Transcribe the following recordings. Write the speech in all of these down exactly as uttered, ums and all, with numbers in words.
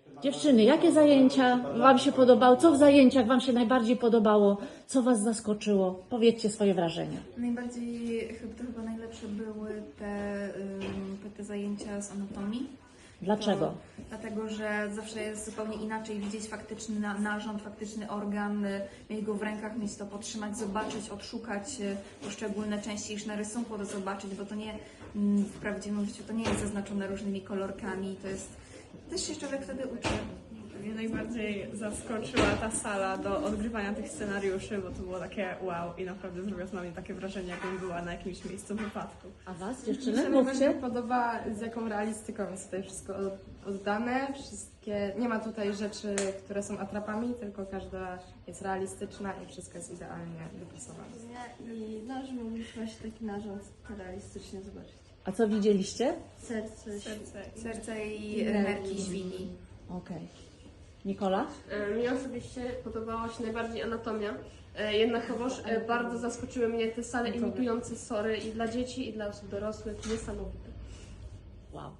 Dziewczyny, jakie zajęcia Wam się podobały? Co w zajęciach Wam się najbardziej podobało? Co Was zaskoczyło? Powiedzcie swoje wrażenia. Najbardziej, chyba, to chyba najlepsze były te, ym, te, te zajęcia z anatomii. Dlaczego? To, dlatego, że zawsze jest zupełnie inaczej widzieć faktyczny na, narząd, faktyczny organ, y, mieć go w rękach, mieć to podtrzymać, zobaczyć, odszukać y, poszczególne części, niż na rysunku to zobaczyć, bo to nie mm, w prawdziwym życiu to nie jest zaznaczone różnymi kolorkami, to jest też się człowiek wtedy uczy. Mnie najbardziej zaskoczyła ta sala do odgrywania tych scenariuszy, bo to było takie wow i naprawdę zrobiło na mnie takie wrażenie, jakbym była na jakimś miejscu wypadku. A Was, Mi dziewczyny, się najbardziej mówcie. podoba, z jaką realistyką jest tutaj wszystko od- oddane. Wszystkie, nie ma tutaj rzeczy, które są atrapami, tylko każda jest realistyczna i wszystko jest idealnie dopasowane. I nasz mogliśmy właśnie taki narząd realistycznie zobaczyć. A co widzieliście? Serce, Serce. Serce i nerki świni. Okej. Nikola? E, Mi osobiście podobała się najbardziej anatomia. E, Jednakowoż e, bardzo zaskoczyły mnie te sale imitujące sory i dla dzieci, i dla osób dorosłych. Niesamowite. Wow.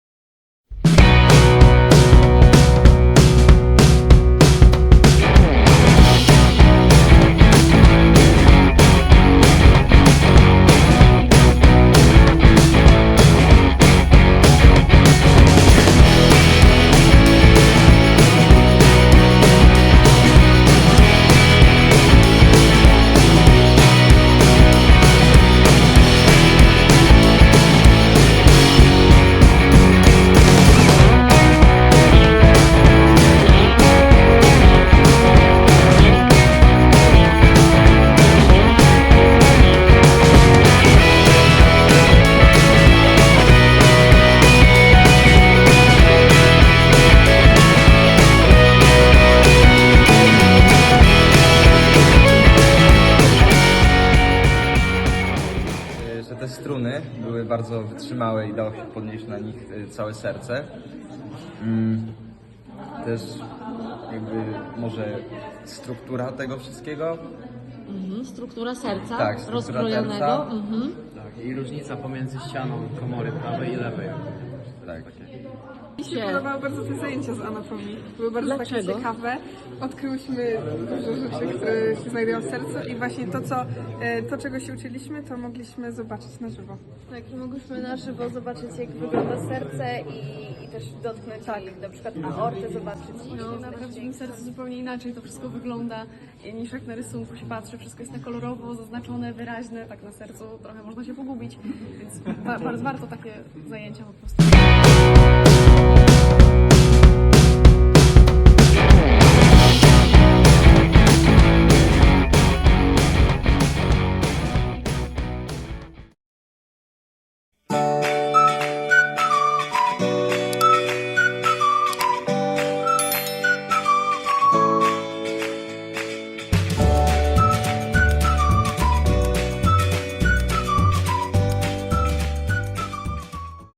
Że te struny były bardzo wytrzymałe i dało się podnieść na nich y, całe serce. Mm, Też jakby może struktura tego wszystkiego. Mhm. Struktura serca Tak, struktura rozkrojonego. serca. Mhm. Tak, i różnica pomiędzy ścianą komory prawej i lewej. Tak. Mi się podobały bardzo te zajęcia z anatomii. Były bardzo Dlaczego? takie ciekawe. Odkryłyśmy dużo rzeczy, które się znajdują w sercu i właśnie to, co, e, to, czego się uczyliśmy, to mogliśmy zobaczyć na żywo. Tak, i mogłyśmy na żywo zobaczyć, jak wygląda serce i, i też dotknąć Tak. i na przykład aortę zobaczyć. No, na prawdziwym sercu zupełnie inaczej to wszystko wygląda niż jak na rysunku się patrzy. Wszystko jest na kolorowo, zaznaczone, wyraźne. Tak na sercu trochę można się pogubić, więc ba- bardzo warto takie zajęcia po prostu.